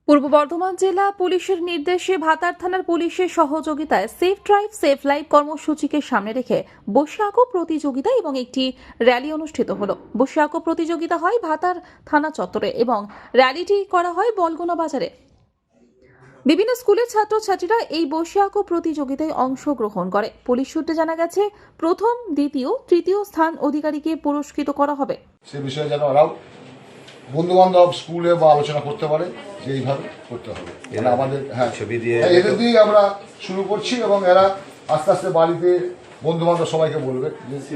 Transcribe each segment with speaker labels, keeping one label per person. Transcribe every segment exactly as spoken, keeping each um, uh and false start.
Speaker 1: পূর্ব বর্ধমান জেলা পুলিশের নির্দেশে ভাতার থানার পুলিশের সহযোগিতায় সেফ ড্রাইভ সেফ লাইফ কর্মসূচিকে সামনে রেখে বসে আঁকো প্রতিযোগিতা এবং একটি র্যালি অনুষ্ঠিত হলো। বসে আঁকো প্রতিযোগিতা হয় ভাতার থানা চত্বরে এবং র্যালিটি করা হয় বলগোনা বাজারে। বিভিন্ন স্কুলের ছাত্রছাত্রীরা এই বসে আঁকো প্রতিযোগিতায় অংশগ্রহণ করে। পুলিশ সূত্রে জানা গেছে, প্রথম, দ্বিতীয়, তৃতীয় স্থান অধিকারীকে পুরস্কৃত করা হবে।
Speaker 2: সে বিষয়ে যেন ওরাও বন্ধু বান্ধব স্কুলে বা আলোচনা করতে পারে যে এইভাবে করতে হবে। মানে আমাদের হ্যাঁ ছবি দিয়ে এদের দিয়েই আমরা শুরু করছি এবং এরা আস্তে আস্তে বাড়িতে বন্ধু বান্ধব সবাইকে বলবে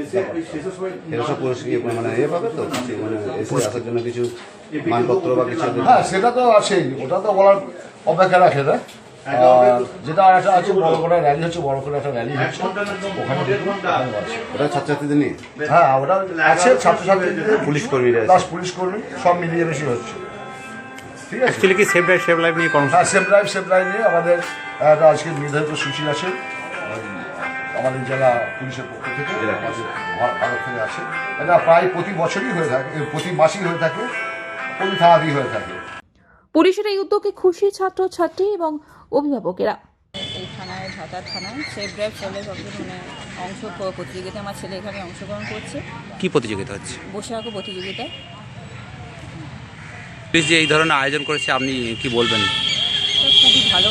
Speaker 3: মানপত্র বা কিছু।
Speaker 2: হ্যাঁ সেটা তো আছেই, ওটা তো বলার অপেক্ষা রাখে না। যেটা আর একটা আছে বড় করে র্যালি হচ্ছে, বড় করে একটা র্যালি হচ্ছে ওখানে আছে।
Speaker 3: ওটা ছাত্রছাত্রীদের নিয়ে,
Speaker 2: হ্যাঁ ওটা আছে ছাত্রছাত্রীদের,
Speaker 3: পুলিশ কর্মীরা
Speaker 2: প্লাস পুলিশ কর্মী সব মিলিয়ে বেশি হচ্ছে। ঠিক আছে,
Speaker 4: অ্যাকচুয়ালি কি সেফ ড্রাইভ সেফ লাইফ নিয়ে কর্মসূচি?
Speaker 2: হ্যাঁ সেফ ড্রাইভ সেফ ড্রাইভ নিয়ে আমাদের একটা আজকে নির্ধারিত সূচি আছে আমাদের জেলা পুলিশের পক্ষ থেকে, ভারত থেকে আছে। এটা প্রায় প্রতি বছরই হয়ে থাকে, প্রতি মাসেই হয়ে থাকে, প্রতি থানাতেই হয়ে থাকে।
Speaker 1: পুলিশের এই উদ্যোগে খুশি ছাত্রছাত্রী এবং অভিভাবকেরা।
Speaker 5: এই থানায় ভাতার থানায় সেফ ড্রাইভ চলে মানে অংশ প্রতিযোগিতায় আমার ছেলে এখানে অংশগ্রহণ করছে।
Speaker 4: কি প্রতিযোগিতা হচ্ছে?
Speaker 5: বসে আঁকো প্রতিযোগিতায়।
Speaker 4: পুলিশ যে এই ধরনের আয়োজন করেছে, আপনি কি বলবেন?
Speaker 5: তো খুবই ভালো,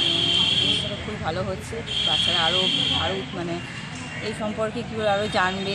Speaker 5: জিনিসটা খুবই ভালো হচ্ছে। বাচ্চারা আরও আরও মানে এই সম্পর্কে কী করে আরও জানবে,